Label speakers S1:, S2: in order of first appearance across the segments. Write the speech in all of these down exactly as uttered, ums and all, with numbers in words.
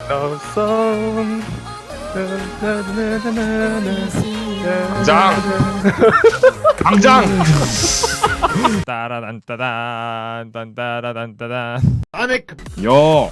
S1: love song.
S2: 당장! 당장!
S1: 따라단따단 딴따라단따단.
S3: 아네.
S4: 여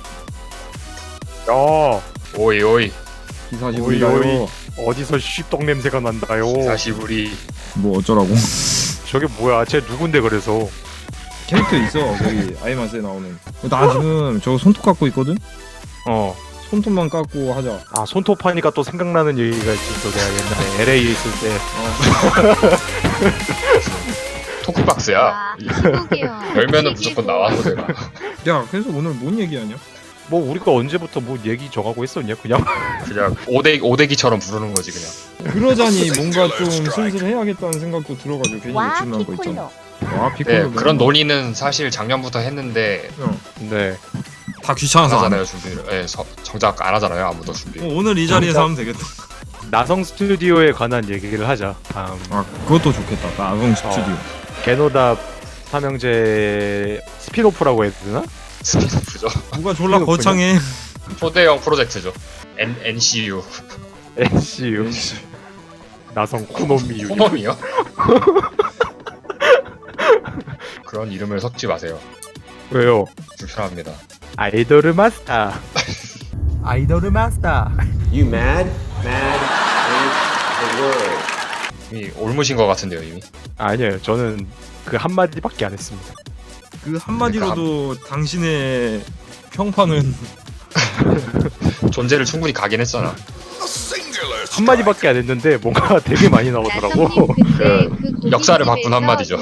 S1: 야,
S2: 오이 오이
S4: 기사시부리가요.
S1: 어디서 씹떡 냄새가 난다요.
S2: 사시부리.
S4: 뭐 어쩌라고?
S1: 저게 뭐야? 쟤 누군데 그래서?
S4: 캐릭터 있어 거기 아이마스에 나오는. 나 지금 저 손톱 갖고 있거든.
S1: 어.
S4: 손톱만 깎고 하자.
S1: 아, 손톱 하니까 또 생각나는 얘기가 있어. 내가 옛날에 엘에이에 있을 때.
S2: 토크박스야.
S5: 와,
S2: 열면은 무조건 나와 노래가.
S4: 야 그래서 오늘 뭔 얘기하냐?
S1: 뭐 우리가 언제부터 뭐 얘기 정하고 했었냐? 그냥.
S2: 그냥 오대 오대기처럼 부르는 거지 그냥.
S4: 그러자니 뭔가 좀 슬슬 해야겠다는 생각도 들어가지고 괜히
S5: 와
S4: 욕심 난거 있잖아.
S5: 피콜로.
S4: 와 피콜로.
S2: 네, 그런 논의는 사실 작년부터 했는데
S1: 네.
S4: 다
S2: 안
S4: 귀찮아서 안 해.
S2: 하잖아요 준비를. 예, 서- 정작 안 하잖아요 아무도 준비.
S4: 어, 오늘 이 자리에서 하면 되겠다.
S1: 나성 스튜디오에 관한 얘기를 하자. 다음.
S4: 아 그것도 좋겠다. 나성 스튜디오.
S1: 개노답 삼형제 스피노프라고 해야 되나?
S2: 스피드프죠.
S4: 누가 졸라 거창해.
S2: 초대형 프로젝트죠. N NCU.
S1: 엔씨유. 나성 코노미유.
S2: 호놈이요? 그런 이름을 섞지 마세요.
S1: 왜요?
S2: 불편합니다.
S1: 아이돌 마스터. 아이돌 마스터.
S3: You mad? Mad with the word.
S2: 이미 올무신 것 같은데요 이미.
S1: 아니에요. 저는 그 한마디밖에 안 했습니다.
S4: 그 한마디로도 당신의 평판은
S2: 존재를 충분히 가긴 했잖아.
S1: 한마디밖에 안 했는데 뭔가 되게 많이 나오더라고.
S5: 그
S2: 역사를 바꾼 한마디죠.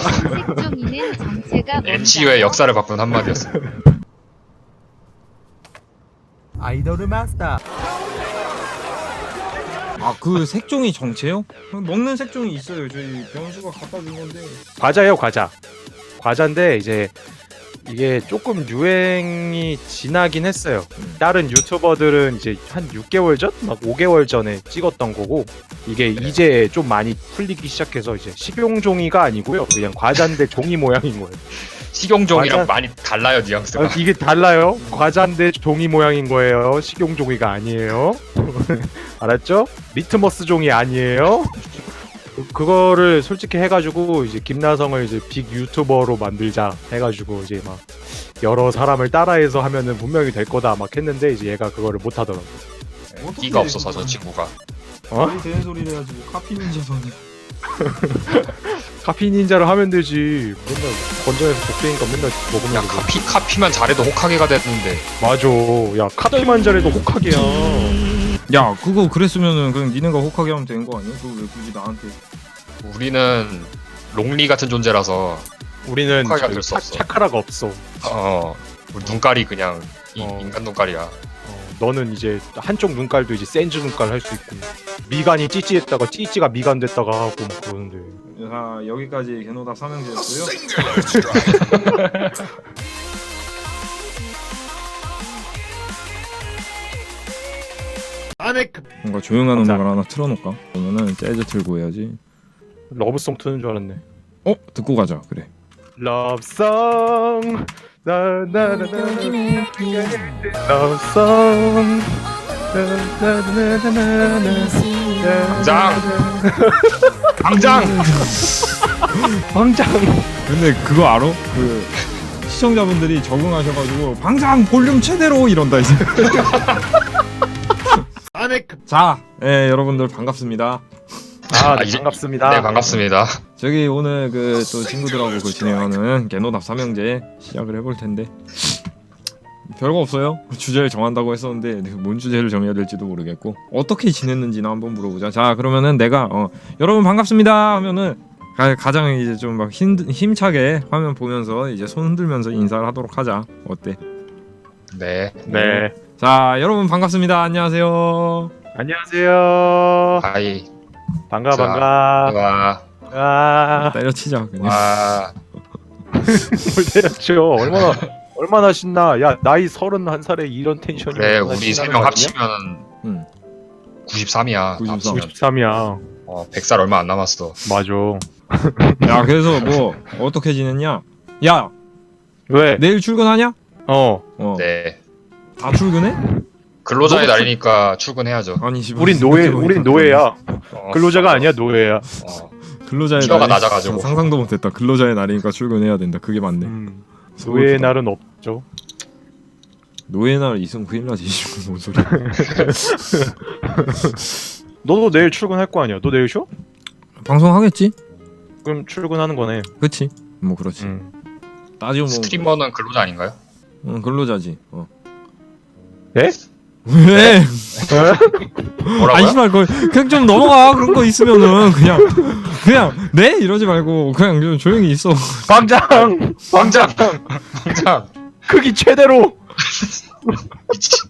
S2: 엔씨유의 역사를 바꾼 한마디였어.
S1: 아이돌 마스터.
S4: 아 그 색종이 정체요? 먹는 색종이 있어요. 저희 병수가 갖다 준 건데.
S1: 과자예요, 과자. 과자인데 이제 이게 조금 유행이 지나긴 했어요. 다른 유튜버들은 이제 한 육 개월 전, 막 오 개월 전에 찍었던 거고 이게 이제 좀 많이 풀리기 시작해서 이제 식용종이가 아니고요, 그냥 과자인데 종이 모양인 거예요.
S2: 식용종이랑
S1: 과자-
S2: 많이 달라요 뉘앙스가.
S1: 아, 이게 달라요. 과자인데 종이 모양인 거예요. 식용종이가 아니에요. 알았죠? 리트머스 종이 아니에요. 그- 그거를 솔직히 해가지고 이제 김나성을 이제 빅 유튜버로 만들자 해가지고 이제 막 여러 사람을 따라해서 하면은 분명히 될 거다 막 했는데 이제 얘가 그거를 못 하더라고.
S2: 끼가 없어서 저 친구가.
S1: 어?
S4: 말이 되는 소리를 해가지고 카피 닌자선이.
S1: 카피 닌자를 하면 되지. 맨날 건전에서 복제니까 맨날 먹으면
S2: 야
S1: 되고.
S2: 카피 카피만 잘해도 호카게가 됐는데.
S1: 맞아. 야 카피만 잘해도 호카게야.
S4: 야 그거 그랬으면은 그냥 니네가 혹하게 하면 되는 거 아니야? 그거 왜 굳이 나한테?
S2: 우리는 롱리 같은 존재라서
S1: 우리는
S2: 호카게가
S1: 저기
S2: 될 수
S1: 차-
S2: 없어.
S1: 차카라가 없어.
S2: 어 우리 눈깔이 그냥 이,
S1: 어.
S2: 인간 눈깔이야.
S1: 어, 너는 이제 한쪽 눈깔도 이제 센즈 눈깔 할 수 있고 미간이 찌찌했다가 찌찌가 미간 됐다가 하고 막 그러는데.
S4: 자 여기까지 개노답 삼형제였고요.
S3: 아네.
S4: 뭔가 조용한
S1: 감사.
S4: 음악을 하나 틀어놓을까? 그러면은 재즈 틀고 해야지.
S1: 러브송 트는 줄 알았네.
S4: 어? 듣고 가자. 그래.
S1: 러브송 나나나나 러브송
S2: 당장! 당장!
S1: 황장.
S4: 근데 그거 알아? 그 시청자분들이 적응하셔가지고 방장 볼륨 최대로 이런다 이제.
S3: 아네.
S4: 자, 예 여러분들 반갑습니다.
S1: 아, 네,
S2: 이제-
S1: 반갑습니다.
S2: 네 반갑습니다.
S4: 저기 오늘 그 또 친구들하고 그 진행하는 개노답 삼형제 시작을 해볼 텐데 별거 없어요. 주제를 정한다고 했었는데 뭔 주제를 정해야 될지도 모르겠고 어떻게 지냈는지나 한번 물어보자. 자 그러면은 내가 어, 여러분 반갑습니다 하면은 가, 가장 이제 좀 막 힘차게 화면 보면서 이제 손 흔들면서 인사를 하도록 하자. 어때?
S2: 네.
S1: 네.
S4: 자 여러분 반갑습니다. 안녕하세요.
S1: 안녕하세요.
S2: 하이.
S1: 반가
S2: 자,
S1: 반가.
S2: 와.
S1: 아,
S4: 때려치자 그냥.
S2: 와.
S1: 뭘 때렸죠? 얼마나 얼마나 신나. 야, 나이 서른한 살에 이런 텐션이.
S2: 그래 우리 세 명 합치면
S4: 응.
S2: 구십삼이야.
S4: 구십삼.
S2: 합치면.
S1: 구십삼이야.
S2: 어, 백 살 얼마 안 남았어.
S1: 맞아.
S4: 야 그래서 뭐 어떻게 지냈냐? 야
S1: 왜?
S4: 내일 출근하냐?
S1: 어.
S4: 어.
S2: 네.
S4: 다 출근해?
S2: 근로자의
S1: 너무
S2: 날이니까 출근해야죠.
S4: 아니 씨발,
S1: 우린 노예,
S4: 생각해보니까
S1: 우린 노예야.
S2: 어,
S1: 근로자가 아니야, 노예야.
S2: 어,
S4: 근로자의
S2: 티어가
S4: 날이-
S2: 낮아가지고.
S4: 어, 상상도 못했다. 근로자의 날이니까 출근해야 된다. 그게 맞네.
S1: 음, 노예의 날은 없죠.
S4: 노예 날 있으면 큰일 나지. 씨발, 뭔 소리야.
S1: 너도 내일 출근할 거 아니야? 너 내일 쉬어?
S4: 방송하겠지?
S1: 그럼 출근하는 거네.
S4: 그치? 뭐 그렇지.
S1: 음.
S4: 따지고 뭐
S2: 스트리머는 근로자 아닌가요?
S4: 응, 근로자지. 어.
S1: 예?
S4: 왜?
S2: 뭐라고요?
S4: 아니 씨발 그 그냥 좀 넘어가. 그런 거 있으면은 그냥 그냥 네 이러지 말고 그냥 좀 조용히 있어.
S1: 광장!
S2: 광장! 광장!
S1: 크기 최대로!
S2: 미친.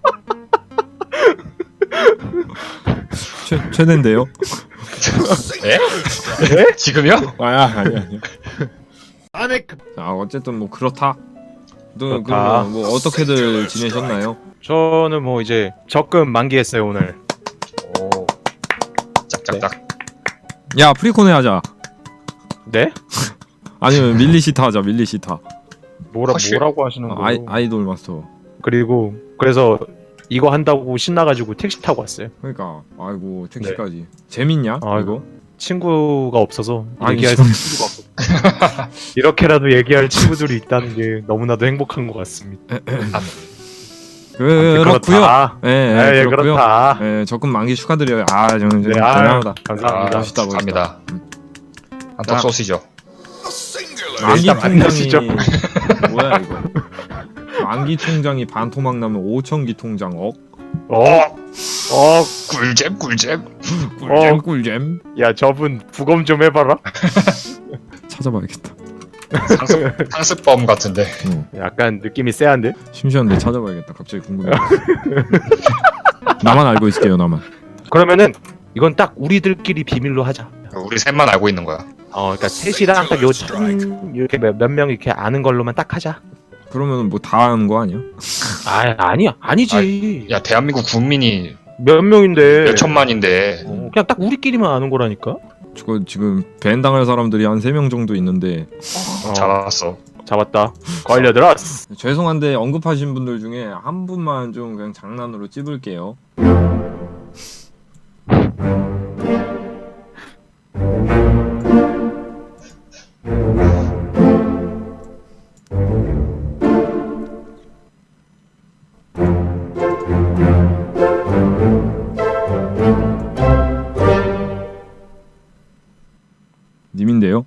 S4: 최 최대인데요?
S2: 에?
S1: 예?
S2: 지금요?
S4: 아야 아니 아니.
S1: 안에
S4: 자 어쨌든 뭐 그렇다. 또
S1: 그렇다.
S4: 그럼 뭐 어떻게들 지내셨나요?
S1: 저는 뭐 이제 적금 만기했어요 오늘.
S2: 오. 짝짝짝.
S4: 야 프리코네 하자.
S1: 네?
S4: 아니면 밀리시타 하자. 밀리시타.
S1: 뭐라
S2: 허쉬.
S1: 뭐라고 하시는
S4: 아,
S1: 거예요?
S4: 아이 아이돌 마스터.
S1: 그리고 그래서 이거 한다고 신나가지고 택시 타고 왔어요.
S4: 그러니까 아이고 택시까지. 재밌냐?
S1: 아이고.
S4: 이거?
S1: 친구가 없어서
S4: 아니,
S1: 얘기할
S4: 좀-
S1: 친구가 없어. 이렇게라도 얘기할 친구들이 있다는 게 너무나도 행복한 것 같습니다.
S4: 그렇고요.
S1: 그렇다.
S4: 예,
S1: 예,
S4: 예,
S1: 예,
S4: 그렇고요.
S1: 그렇다.
S4: 예, 적금 만기 축하드려요. 아, 저는
S1: 네,
S4: 네,
S1: 아유,
S4: 대단하다.
S1: 감사합니다.
S4: 멋있다, 멋있다.
S2: 갑니다.
S4: 음.
S2: 한턱 쏘시죠.
S4: 만기
S1: 일단 만나시죠.
S4: 통장이 뭐야 이거? 만기 통장이 반토막 나면 오천기 통장 억?
S1: 어, 어,
S2: 꿀잼 꿀잼.
S4: 꿀잼
S1: 어.
S4: 꿀잼.
S1: 야 저분 부검 좀 해봐라.
S4: 찾아봐야겠다.
S2: 상습, 상습범 같은데.
S4: 응.
S1: 약간 느낌이 쎄한데?
S4: 심시한데 찾아봐야겠다. 갑자기 궁금해. 나만 알고 있을게요, 나만.
S1: 그러면은 이건 딱 우리들끼리 비밀로 하자.
S2: 우리 셋만 알고 있는 거야.
S1: 어, 그러니까 셋이랑 딱 요 천 이렇게 몇 명 이렇게 아는 걸로만 딱 하자.
S4: 그러면 뭐 다 아는 거 아니야?
S1: 아, 아니야, 아니지.
S2: 야 대한민국 국민이
S1: 몇 명인데?
S2: 몇 천만인데.
S1: 어, 그냥 딱 우리끼리만 아는 거라니까.
S4: 저거 지금 밴 당할 사람들이 한 세 명 정도 있는데
S1: 어,
S2: 잡았어.
S1: 잡았다. 걸려들었어.
S4: 죄송한데 언급하신 분들 중에 한 분만 좀 그냥 장난으로 찝을게요. 님인데요?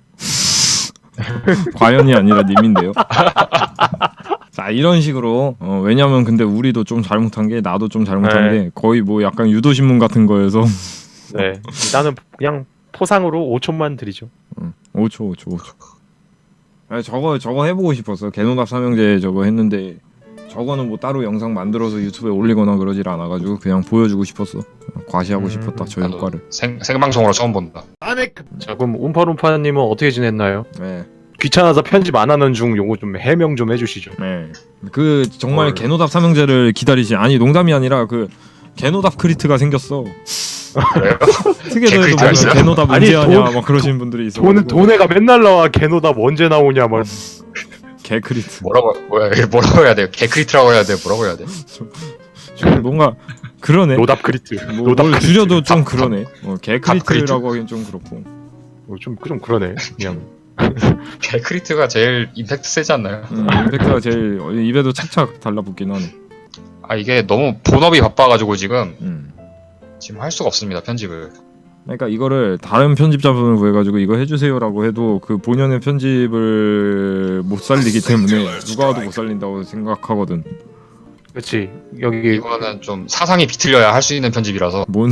S4: 과연이 아니라 님인데요? 자 이런 식으로 어, 왜냐면 근데 우리도 좀 잘못한 게 나도 좀 잘못한
S1: 네.
S4: 게 거의 뭐 약간 유도신문 같은 거여서
S1: 네, 나는 그냥 포상으로 오천만 드리죠.
S4: 응. 오 초 오 초 오 초 아니 저거 저거 해보고 싶었어. 개노답 삼형제 저거 했는데 저거는 뭐 따로 영상 만들어서 유튜브에 올리거나 그러질 않아가지고 그냥 보여주고 싶었어. 과시하고
S1: 음,
S4: 싶었다 저
S2: 나도
S4: 효과를.
S2: 생, 생방송으로 처음 본다.
S1: 자 그럼 움파룸파님은 어떻게 지냈나요?
S4: 네.
S1: 귀찮아서 편집 안 하는 중 요거 좀 해명 좀 해주시죠.
S4: 네. 그 정말
S1: 헐.
S4: 개노답 삼형제를 기다리시. 아니 농담이 아니라 그 개노답 크리트가 생겼어.
S2: 그래요?
S4: 특이해도
S2: 개크리트가
S4: 보면
S2: 있어요?
S4: 개노답
S1: 아니,
S4: 언제 하냐
S1: 돈-
S4: 막 그러시는 분들이 있어.
S1: 돈 돈에가 맨날 나와. 개노답 언제 나오냐 막.
S4: 개 크리트.
S2: 뭐라고 뭐야 이게 뭐라고 해야 돼? 개크리트라고 해야 돼? 뭐라고 해야 돼?
S4: 좀 뭔가 그러네.
S1: 노답 크리트.
S4: 뭐,
S1: 노답
S4: 뭘
S1: 크리트.
S4: 줄여도 좀
S2: 갑-
S4: 그러네. 어, 개
S2: 갑 크리트.
S4: 크리트라고 하긴 좀 그렇고.
S1: 어, 좀, 좀 그러네. 그냥.
S2: 개크리트가 제일 임팩트 세지 않나요?
S4: 음, 임팩트가 제일 어, 입에도 착착 달라붙긴 하네.
S2: 아 이게 너무 본업이 바빠가지고 지금
S4: 음.
S2: 지금 할 수가 없습니다 편집을.
S4: 그러니까 이거를 다른 편집자분을 구해가지고 이거 해주세요라고 해도 그 본연의 편집을 못 살리기 때문에 누가 와도 못 살린다고 생각하거든.
S1: 그렇지. 여기
S2: 이거는 좀 사상이 비틀려야 할 수 있는 편집이라서
S4: 뭔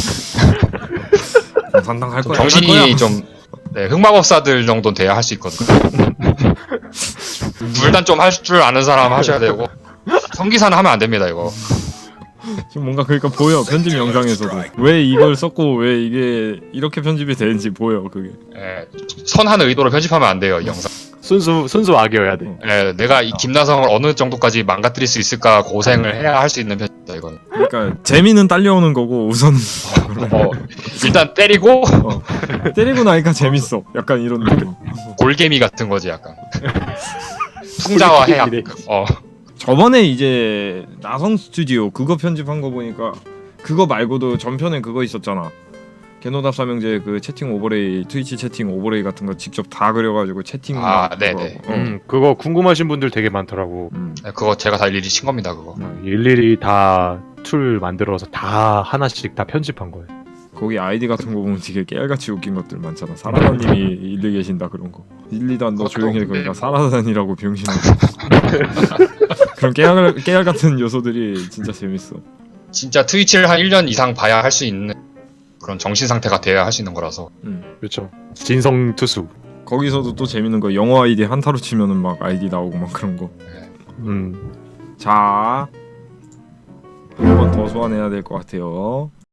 S4: 상당할
S2: 좀
S4: 거야. 할 거야.
S2: 정신이 좀 네, 흑마법사들 정도는 돼야 할 수 있거든. 불단 좀 할 줄 아는 사람 하셔야 되고 성기사는 하면 안 됩니다 이거.
S4: 지금 뭔가 그러니까 보여 편집 영상에서도 왜 이걸 썼고 왜 이게 이렇게 편집이 되는지 보여 그게.
S2: 예, 선한 의도로 편집하면 안 돼요 이 영상.
S1: 순수 순수 악이어야 돼.
S2: 예, 내가 이 김나성을 어느 정도까지 망가뜨릴 수 있을까 고생을 해야 할 수 있는 편집이다 이건.
S4: 그러니까 재미는 딸려오는 거고 우선
S2: 어, 일단 때리고
S4: 어, 때리고 나니까 재밌어. 약간 이런 느낌.
S2: 골개미 같은 거지 약간. 풍자와 해악.
S1: 골개미래.
S2: 어,
S4: 저번에 이제 나성 스튜디오 그거 편집한 거 보니까 그거 말고도 전편에 그거 있었잖아. 개노답 삼형제 그 채팅 오버레이, 트위치 채팅 오버레이 같은 거 직접 다 그려가지고 채팅.
S2: 아,
S4: 그거
S2: 네네.
S4: 하고. 어.
S1: 음, 그거 궁금하신 분들 되게 많더라고.
S4: 음.
S2: 네, 그거 제가 다 일일이 친 겁니다 그거.
S1: 어, 일일이 다 툴 만들어서 다 하나씩 다 편집한 거예요.
S4: 거기 아이디 같은 거 보면 되게 깨알같이 웃긴 것들 많잖아. 사라다님이 일리 계신다 그런 거. 일리도 안 너
S2: 그것도
S4: 조용히 해
S2: 없는데.
S4: 그러니까 사라다니라고 병신아. 그런 깨알 깨알 같은 요소들이 진짜 재밌어.
S2: 진짜 트위치를 한 일 년 이상 봐야 할 수 있는 그런 정신 상태가 돼야 할 수 있는 거라서.
S4: 음.
S1: 그렇죠. 진성 투수.
S4: 거기서도 또 재밌는 거 영어 아이디 한타로 치면은 막 아이디 나오고 막 그런 거.
S1: 음.
S4: 자, 한 번 더 소환해야 될 것 같아요.